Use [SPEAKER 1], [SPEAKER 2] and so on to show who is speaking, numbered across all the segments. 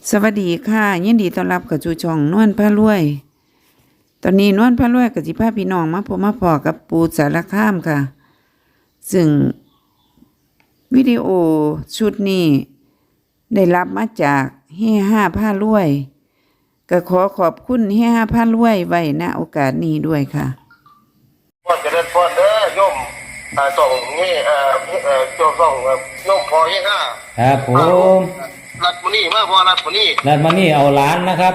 [SPEAKER 1] สวัสดีค่ะยินดีต้อนรับกับจูช่องนวลพระรวย ตอนนี้นวลพระรวยกับสิพาพี่น้องมาพบมาพอกับปูสารคามค่ะ ซึ่งวิดีโอชุดนี้ได้รับมาจากเฮ่ห้าพระรวยก็ขอขอบคุณเฮ่ห้าพระรวยไว้ณโอกาสนี้ด้วยค่ะ
[SPEAKER 2] พ่อจะเดินพ่อเด้อโยมส่งนี่โยมส่งโยมพอยี่ห้า
[SPEAKER 3] ครับผม
[SPEAKER 2] รัดมุนี่มาพอรัดมุนี่
[SPEAKER 3] รัดมานี่เอาล้านนะครับ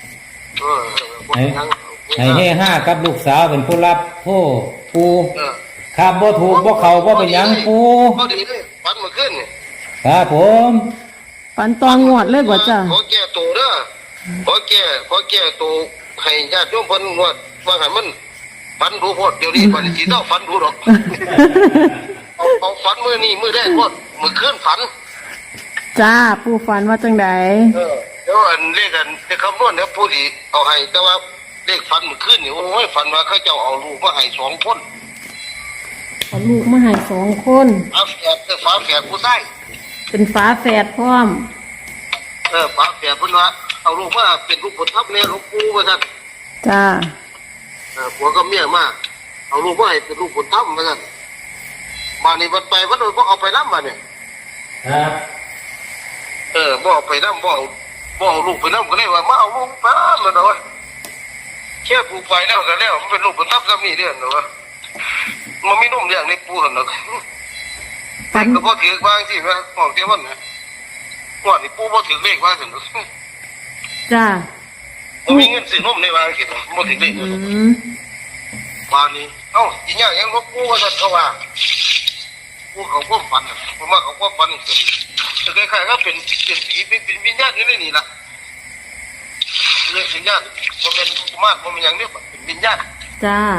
[SPEAKER 3] ให้เฮ่ห้ากับลูกสาวเป็นผู้รับผู้ปูครับบ่ถูกบ่เขาบ่เป็นยังปู
[SPEAKER 2] พอดีเลยฟันมาขึ้น
[SPEAKER 3] ครับผม
[SPEAKER 1] ปันตองงวดเลยบ่จ้ะ
[SPEAKER 2] ขอแก้ตัวเด้อขอแก้ตัวให้ญาติโยมเพิ่นงวดว่าให้มันฟันดูโพดเดี๋ยวนี้ฟันสิเต้าฟันดูหรอกเอาฟันมือนี่มือแรกโพดมือขึ้นฟัน
[SPEAKER 1] จ้าปูฝันว่าจังได
[SPEAKER 2] เดี๋ยวอันเลขคำนวณเนี่ยผู้ดีเอาให้แต่ว่าเลขฟันมันขึ้นนี่โอ้ยฟันว่าเขาเจ้าเอาลูกมาให้2 คน
[SPEAKER 1] เอาลูกมาให้2 คน
[SPEAKER 2] ฝาแฝดผู้ชาย
[SPEAKER 1] เป็นฝาแฝดพร้อม
[SPEAKER 2] ฝาแฝดเพิ่นว่าเอาลูกมาเป็นลูกบุญธรรมเนี่ยหลวงปู่ว่าซั่น
[SPEAKER 1] จ้า
[SPEAKER 2] ผัวกับเมียมาเอาลูกมาให้เป็นลูกบุญธรรมว่าซั่นบ้านนี้วัดไปวัดโดนบ่เอาไปนำบัดนี้
[SPEAKER 3] ครับ
[SPEAKER 2] บ่เอาไปนำบ่เอาลูกไปนำก็เลยว่ามาเอาลูกไปแล้วเนาะแค่ปูไปแล้วก็แล้วมันเป็นลูกบุญธรรมซะนี่เด้อเนาะมันมีนมเลี้ยงในปูหั่นเนาะแต่ก็บ่ถือว่าจังซี่ว่าของเทวันน่ะว่านี่ปูบ่ถือเลขว่าซั่น
[SPEAKER 1] จ้า
[SPEAKER 2] บ่มีเงินซื้อนมในว่าจังซี่บ่ถือเลขบ้านนี้สิยากยังบ่ปูว่าซั่นเขาว่าปูเขาบ่ฝันผมว่าเขาบ่ฝันคือคล้ายๆก็เป็นผีเป็นวิญญาณอยู่ในนี่ล่ะเรื่องวิญญาณบ่แม่นกุมารบ่แม่นหยังเด้เป็นวิญญาณ
[SPEAKER 1] จ้า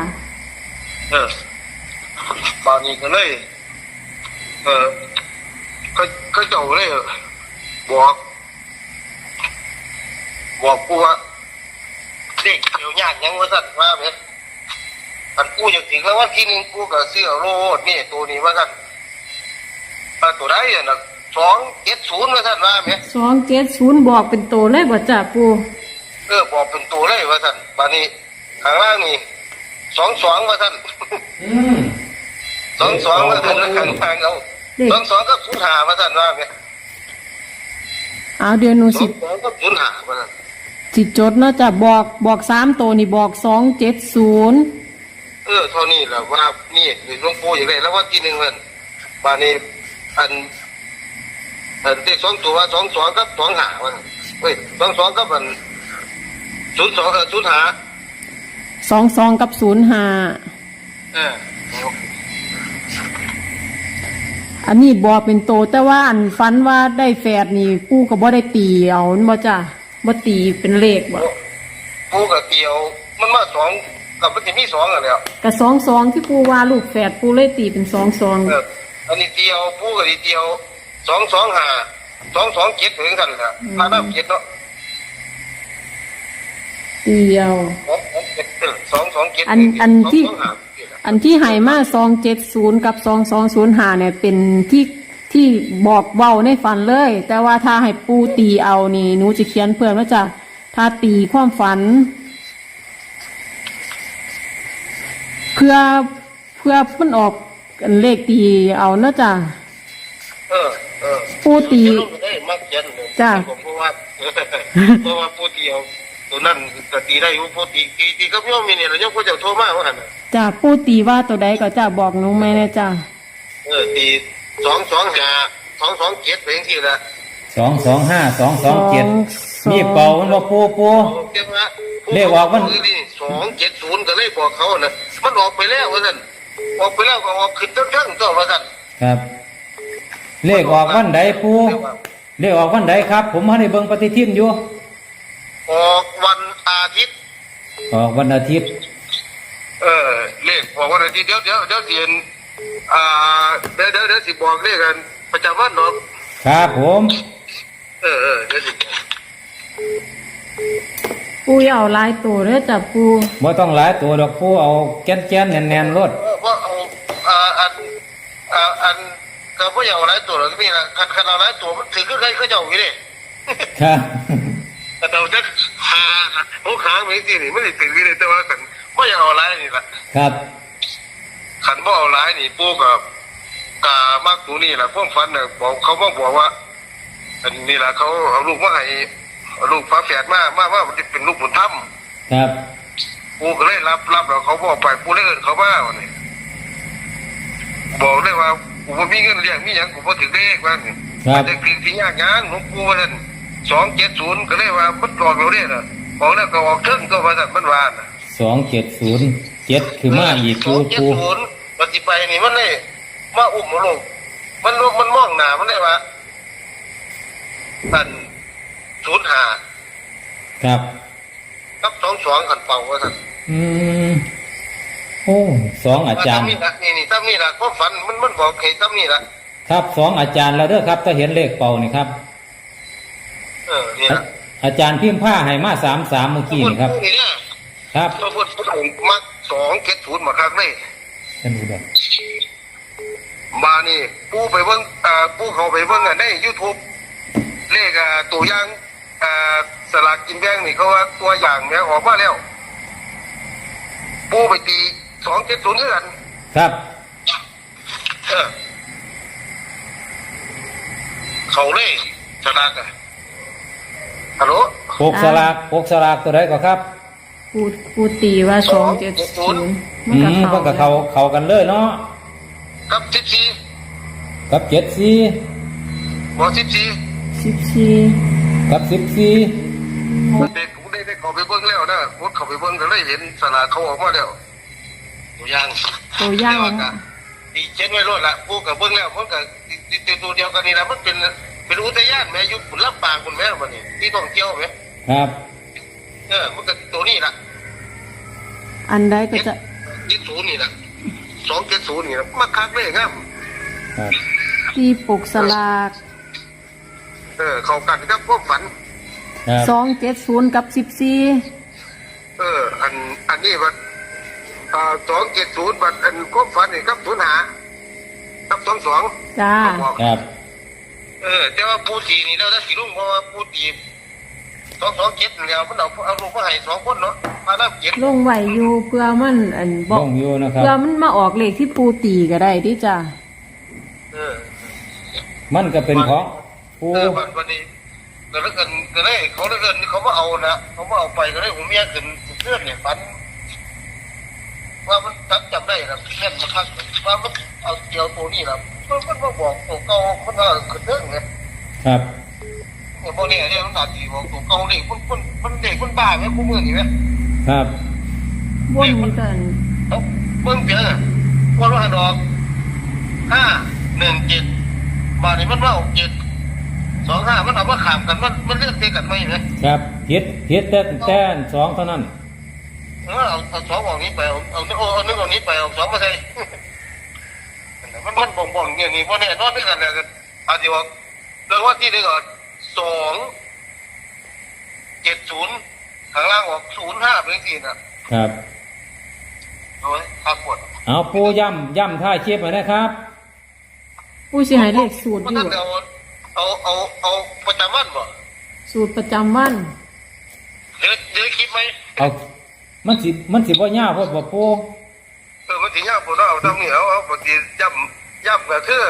[SPEAKER 2] บ้านนี้ก็เลยก็เจ้าเลยบอกกูว่าเด็กเดี๋ยวยากยังว่าสั่นว่าไหมอันกูอยากถึงแล้วว่าที่นึงกูก็ซื้อโลดนี่ตัวนี้ว่าสั่นตัวได้น่ะ270ว่าสั่นว่าไหม
[SPEAKER 1] 270บอกเป็นตัวเลยบ่จ้าปู
[SPEAKER 2] บอกเป็นตัวเลยว่าสั่นบ้านนี้ข้างล่างนี่22ว่าสั่น22ว่าสั่นแล้วข้างล่างเอา22ก็05ว่าสั่นว่าไหม
[SPEAKER 1] เดี๋ยวหนูสิ
[SPEAKER 2] 22ก็05ว่าสั่น
[SPEAKER 1] สิจดเนาะจ้ะบอก3ตัวนี่บอก270
[SPEAKER 2] เท่านี้แหละว่านี่หลวงปู่อย่างไรแล้วว่าที่1มันบ้านนี้อันเลข2ตัวว่า22กับ25ว่าเฮ้ย22กับมัน02
[SPEAKER 1] 22กับ05อันนี้บอกเป็นโตแต่ว่าอันฝันว่าได้แฝดนี่ปู่ก็บ่ได้ตีเอาบ่จ้ะบ่ตีเป็นเลขบ่
[SPEAKER 2] ปู่ก็เตียวมันมา2กับมันสิมี2อ่ะแล้ว
[SPEAKER 1] ก็22ที่ปู่ว่าลูกแฝดปู่เลยตีเป็น22
[SPEAKER 2] อันนี้เตียวปู่ก็เตียว225 227ถึงกันล่ะถ้านับ7เนาะ
[SPEAKER 1] เตียว
[SPEAKER 2] 227
[SPEAKER 1] อันที่ให้มา270กับ2205เนี่ยเป็นที่บอกเว้าในฝันเลยแต่ว่าถ้าให้ปูตีเอานี่หนูจะเขียนเพิ่มว่าจะถ้าตีความฝันเพื่อมันออกเลขตีเอานะจ้ะปูตีจ้ะ
[SPEAKER 2] เพราะว่าปูตีเอาตัวนั้นก็ตีได้อยู่ปูตีก็ย่อมมีเนี่ยแล้วย่อมก็จะโทรมาว่าหั่น
[SPEAKER 1] จ้ะปูตีว่าตัวใดก็จะบอกหนูไหมนะจ้ะ
[SPEAKER 2] ตี225 227เป็นที่ละ
[SPEAKER 3] 225 227นี่เป่ามันบ่ปูเลขออกมัน
[SPEAKER 2] 270ก็เลยบอกเขาน่ะมันออกไปแล้วว่าซั่นออกไปแล้วก็ออกขึ้นทั้งๆตัวว่าซั่น
[SPEAKER 3] ครับเลขออกวันใดปูเลขออกวันใดครับผมให้เบิ่งปฏิทินอยู่
[SPEAKER 2] ออกวันอาทิตย์เลขออกวันอาทิตย์เดี๋ยวสิเห็นเดี๋ยวสิบอกเลขกันประจำวันเนาะ
[SPEAKER 3] ครับผม
[SPEAKER 2] เดี๋ยวสิ
[SPEAKER 1] ปูอย่าเอาหลายตัวเด้อจ้ะปู
[SPEAKER 3] บ่ต้องหลายตัวดอกปูเอาแก่นๆแน่นๆรถ
[SPEAKER 2] ว่าอันก็บ่อยากเอาหลายตัวหรอกนี่ล่ะคันเอาหลายตัวมันถือคือใครเขาเจ้าอยู่เด้
[SPEAKER 3] ครับ
[SPEAKER 2] แต่เราจะหาหัวขาไม่จริงนี่ไม่ได้ตื่นเลยแต่ว่าขันไม่อยากเอาร้ายนี่แหละ
[SPEAKER 3] ครับ
[SPEAKER 2] ขันบ่เอาร้ายนี่ปู่กับกามากตัวนี่แหละพวกฟันเนี่ยบอกเขาบอกว่าอันนี้แหละเขาเอาลูกมาให้เอาลูกฟ้าแฝดมาว่ามันจะเป็นลูกบุญธรรม
[SPEAKER 3] ครับ
[SPEAKER 2] ปู่ก็เลยรับแล้วเขาบอกไปปู่เลยเอิ้นเขามาวันนี้บอกเลยว่ากูบ่มีเงินเลี้ยงมีหยังกูบ่ถึงเลขว่านี่
[SPEAKER 3] ครับ
[SPEAKER 2] แต่ถึงสิยากหยังหลวงปู่ว่านั่น270ก็เลยว่ามันออกแล้วเด้อน่ะออกแล้วก็ออกเทิงก็ว่าซั่นมันว่าน่ะ
[SPEAKER 3] 2707คือมาอีกปูปู
[SPEAKER 2] 270ปฏิไปนี่มันเลยมาอุ้มมาลงมันมองหน้ามันเลยว่าอัน05
[SPEAKER 3] ครับ
[SPEAKER 2] กับ22คันเป่าว่าซั่น
[SPEAKER 3] โอ้สองอาจารย์
[SPEAKER 2] นี่ล่ะนี่ตามนี่ล่ะความฝันมันบอกให้ตามนี่ล่ะ
[SPEAKER 3] ครับสองอาจารย์แล้วเด้อครับถ้าเห็นเลขเป่านี่ครับ
[SPEAKER 2] นี่ล่ะ
[SPEAKER 3] อาจารย์พิมพ์ผ้าให้มา33เมื่อกี้นี่ครับ
[SPEAKER 2] นี่เนี่ย
[SPEAKER 3] ครับ
[SPEAKER 2] พระพุทธองค์มัก270มาครั้งเลย
[SPEAKER 3] ท่านดูด้วย
[SPEAKER 2] มานี่ปู่ไปเบิ่งปู่เขาไปเบิ่งใน YouTube เลขตัวอย่างสลากกินแบ่งนี่เขาว่าตัวอย่างแม่ออกมาแล้วปู่ไปตี270คือกัน
[SPEAKER 3] ครับ
[SPEAKER 2] เขาเลยสลากฮัลโหล
[SPEAKER 3] ปกสลากตัวใดก็ครับ
[SPEAKER 4] ปูตีว่า270มันก็
[SPEAKER 3] มันก็เข้ากันเลยเนาะ
[SPEAKER 2] กับ14
[SPEAKER 3] กับ74
[SPEAKER 2] บ่14
[SPEAKER 4] 14
[SPEAKER 3] กับ14
[SPEAKER 2] เด็กผมได้เขาไปเบิ่งแล้วนะผมเขาไปเบิ่งก็เลยเห็นสลากเขาออกมาแล้วตัวอย่าง
[SPEAKER 4] ตัวอย่าง
[SPEAKER 2] ดีเช็ดไว้รถละปู่กับเบิ่งแล้วมันก็ตัวเดียวกันนี่ละมันเป็นอุทยานแม่อยู่ลำปางคุณแม่บัดนี้ที่ท่องเที่ยวแม่
[SPEAKER 3] ครับ
[SPEAKER 2] มันก็ตัวนี้ล่ะ
[SPEAKER 4] อันใดก็จะ
[SPEAKER 2] 70นี่ล่ะ270นี่ล่ะมาคักเลยครับ
[SPEAKER 3] ครับ
[SPEAKER 4] ตีปกสลาก
[SPEAKER 2] เข้ากันกับความฝัน
[SPEAKER 3] ครับ
[SPEAKER 4] 270กับ14
[SPEAKER 2] อันนี้บัด270บัดอันความฝันนี่กับ05กับ22
[SPEAKER 4] จ้า
[SPEAKER 3] ครับ
[SPEAKER 2] แต่ว่าปูตีนี่แล้วถ้าสิลุงเพราะว่าปูตี227แล้วมันเอาลูกมาให้2คนเนาะมาน้ำเก็บ
[SPEAKER 4] ลงไหวอยู่เพื่อมันอันบ
[SPEAKER 3] ล
[SPEAKER 4] อก
[SPEAKER 3] งอยู่นะครับ
[SPEAKER 4] เพื่อมันมาออกเลขที่ปูตีก็ได้ดิจ้า
[SPEAKER 3] มันก็เป็นของปู
[SPEAKER 2] วันนี้ก็แล้วกันก็เลยเขาแล้วกันเขามาเอานะเขามาเอาไปก็เลยผมเมียขึ้นเพื่อนเนี่ยฝันว่ามันจำได้นะแม่นมาคักว่ามันเอาเกี่ยวตัวนี้นะมันมาบอกตัวเก่ามันก็ขึ้นเรื่องไง
[SPEAKER 3] ครับ
[SPEAKER 2] พวกนี้เนี่ยมันอาจจะบอกตัวเก่าเด็กมันเด็กมันบ้าไหมคู่มือนี่ไหม
[SPEAKER 3] ครับ
[SPEAKER 4] วนนี้กัน
[SPEAKER 2] เบิ่งเพียงวันว่าดอก517บาทนี่มันว่า725มันเอามาขามกันมันเลือกเตะกันไหมไหม
[SPEAKER 3] ครับเฮ็ดแต่สองเท่านั้น
[SPEAKER 2] เอาสองออกนี้ไปเอานึกออกนี้ไปเอาสองมาใส่มันบ่งเนี่ยนี่เพราะเนี่ยนอนด้วยกันเนี่ยอาจจะว่าเรื่องว่าที่นี่ก่อน270ข้างล่างออก05เป็นสี่นะครับ โอ้ยขาดปวด
[SPEAKER 3] เอาปูย่ำท่าเชียบมานะครับ
[SPEAKER 4] ปูสิให้เลขสูตร
[SPEAKER 2] มัน
[SPEAKER 4] อยู่
[SPEAKER 2] ต้องเอาประจำวันบ่
[SPEAKER 4] สูตรประจำวัน
[SPEAKER 2] เดี๋ยวคิดไหม
[SPEAKER 3] เอามันสิบ่ยาวพอดบ่ปู
[SPEAKER 2] มันถึงยากปวดเอาตรงนี้เอาปกติย่ำก็คือ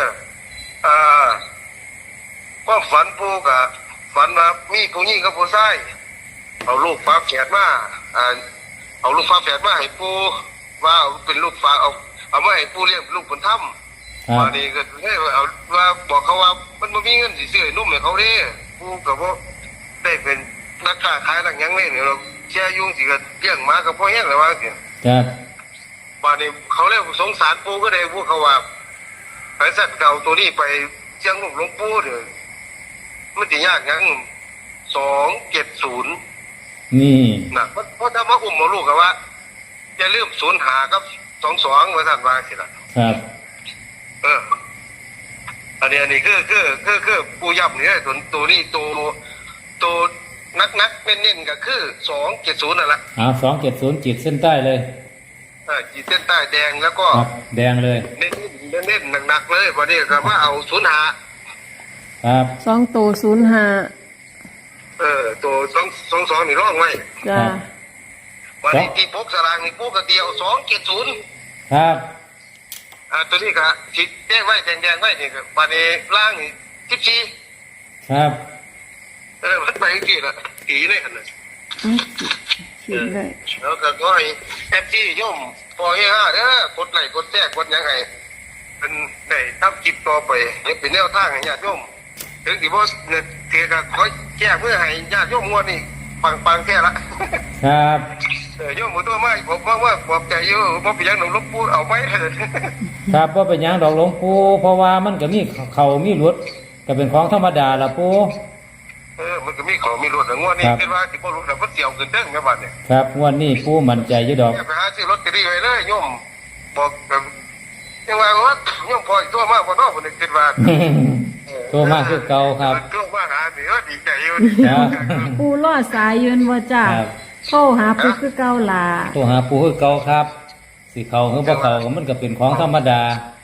[SPEAKER 2] ความฝันปูกับฝันว่ามีผู้หญิงกับผู้ชายเอาลูกฟ้าแฝดมาเอาลูกฟ้าแฝดมาให้ปูว่าเอาเป็นลูกฟ้าเอามาให้ปูเลี้ยงลูกบุญธรรม
[SPEAKER 3] ครับ
[SPEAKER 2] วันนี้ก็ให้เอาว่าบอกเขาว่ามันไม่มีเงินสิซื้อนุ่มให้เขาเด้ปูกับว่าได้เป็นนักค้าขายหลังยังเลยเนี่ยเราแช่ยุ่งสิก็เลี้ยงมากับพ่อแห้งเลยว่าสิ
[SPEAKER 3] ครับ
[SPEAKER 2] วันนี้เขาเรียกสงสารปูก็ได้พูดเขาว่าไอ้สัตว์เก่าตัวนี้ไปเชียงลูกหลวงปู่เด้อมันจะยากยัง270
[SPEAKER 3] นี่
[SPEAKER 2] นะเพราะถ้ามาอุ้มมาลูกกับว่าจะลืม05กับ22ว่าสั่นว่าสิล่ะ
[SPEAKER 3] ครับ
[SPEAKER 2] อันนี้คือปูยับนี่ตัวนี้ตัวนักเน้นๆก็คือ270นั่นแหละ
[SPEAKER 3] เอา270จิตเส้นใต้เลย
[SPEAKER 2] ขีดเส้นใต้แดงแล้วก็
[SPEAKER 3] ครับแดงเลย
[SPEAKER 2] เน้นหนักๆเลยวันนี้ก็ว่าเอา05
[SPEAKER 3] ครับ
[SPEAKER 4] 2 โต 05
[SPEAKER 2] ตัวสองนี่ร่องไว้
[SPEAKER 4] จ้า
[SPEAKER 2] วันนี้ที่พกสลากนี่พกกระเดียว270
[SPEAKER 3] ครับ
[SPEAKER 2] ตัวนี้ก็ที่แจ้งไว้แดงๆไว้นี่ก็วันนี้ล่างนี่14
[SPEAKER 3] ครับ
[SPEAKER 2] มันไปกี่ละกี่เลยหั่นน่ะ
[SPEAKER 4] ขีดเลย
[SPEAKER 2] แล้วก็ขอให้FGโยมพอให้5เด้อกดไลค์กดแชร์กดหยังให้เป็นได้ทำคลิปต่อไปให้เป็นแนวทางให้ญาติโยมถึงสิบ่เนี่ยเทก็ขอแก้เพื่อให้ญาติโยมงวดนี้ปังๆแค่ละ
[SPEAKER 3] ครับ
[SPEAKER 2] โยมบ่ตัวมาผมว่าปลอบใจอยู่บ่เป็นหยังหนูหลวงปู่เอาไว้เถิด
[SPEAKER 3] ครับว่าเป็นหยังดอกหลวงปู่เพราะว่ามันก็มีเขามีหลุดก็เป็นของธรรมดาละปู่
[SPEAKER 2] มันก็มีของมีรถงวดนี้คิดว่าสิบ่รู้แล้วบ่เสี่ยวขึ้นเด้งแม่บัดเนี่ย
[SPEAKER 3] ครับงวันนี้ปู่มั่นใจอยู่ดอก
[SPEAKER 2] ไปหาซื้อลอตเตอรี่ไว้เลยโยมบอกแบบยังว่าว่าโยมพออีกตัวมากบ่เนาะผมคิดว่า
[SPEAKER 3] โตมากคือเก่าครับ
[SPEAKER 2] ตัวมาหาสิดีใจอยู่
[SPEAKER 3] ครับ
[SPEAKER 4] ปูรอดสายยืนว่าจ้า
[SPEAKER 3] ครับ
[SPEAKER 4] โทรหาปูคือเก่าล่ะ
[SPEAKER 3] โตหาปู่คือเก่าครับสิเขาคือบ่เขาก็มันก็เป็นของธรรมดา
[SPEAKER 2] เ